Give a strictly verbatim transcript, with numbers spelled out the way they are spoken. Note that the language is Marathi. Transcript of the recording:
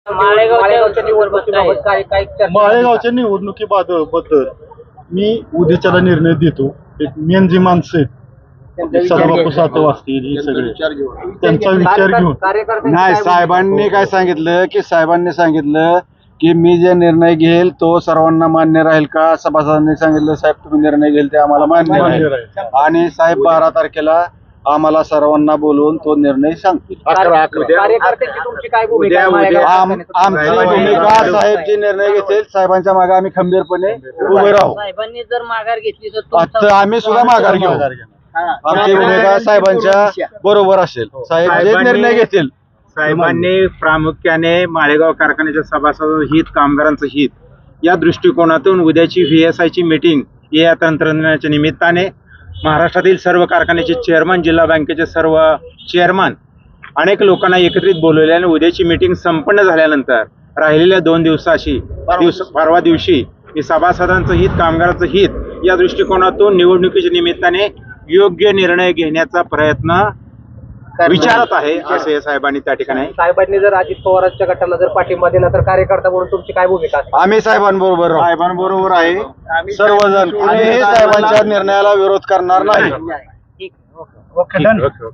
माळेगावच्या निवडणुकीबाबत काय काय चर्चा? माळेगावच्या निवडणुकीबद्दल मी उद्याच्याला निर्णय देतो. एक मेन जी माणसं आहेत सदाबापू सातव असतील हे सगळे त्यांचा विचार घेऊन कार्यकर्ते नाही, साहेबांनी काय सांगितलं की साहेबांनी सांगितलं की मी जे निर्णय घेईल तो सर्वांना मान्य राहील का. सभासदांनी सांगितलं साहेब तुम्ही निर्णय घेईल ते आम्हाला मान्य मान्य राहील. राहील. आणि साहेब बारा तारखेला आम्हाला सर्वांना बोलवून तो निर्णय सांगतील. अकरा अकरा कार्यकर्त्यांची तुमची काय भूमिका आहे? आम- माळेगाव आमची भूमिका साहेब जे निर्णय घेतील साहेबांच्या मागे आम्ही खंबीरपणे उभे राहू. साहेबांनी जर माघार घेतली तर आता आम्ही सुद्धा माघार घेऊ. आमची भूमिका साहेबांच्या बरोबर असेल. साहेब जे निर्णय घेतील. साहेबांनी प्रामुख्याने माळेगाव कारखान्याच्या सभासदांचं हित, कामगारांचं हित या दृष्टिकोनातून उद्याची व्ही एस आयची मीटिंग या तंत्रज्ञानाच्या निमित्ताने महाराष्ट्रातील सर्व कारखान्याचे चेअरमन, जिल्हा बँकेचे सर्व चेअरमन अनेक लोकांना एकत्रित बोलवले आणि उद्याची मीटिंग संपन्न झाल्यानंतर राहिलेल्या दोन दिवसाशी दिवस परवा दिवशी मी सभासदांचं हित, कामगारांचं हित या दृष्टिकोनातून निवडणुकीच्या निमित्ताने योग्य निर्णय घेण्याचा प्रयत्न विचारत आहे असे साहेबांनी त्या ठिकाणी. साहेबांनी जर अजित पवारांच्या गटाला जर पाठिंबा दिला तर कार्यकर्ता म्हणून तुमची काय भूमिका असते? आम्ही साहेबांबरोबर राहू. साहेबांबरोबर आहे सर्वजण. कुणीही साहेबांच्या निर्णयाला विरोध करणार नाही. Okay, done.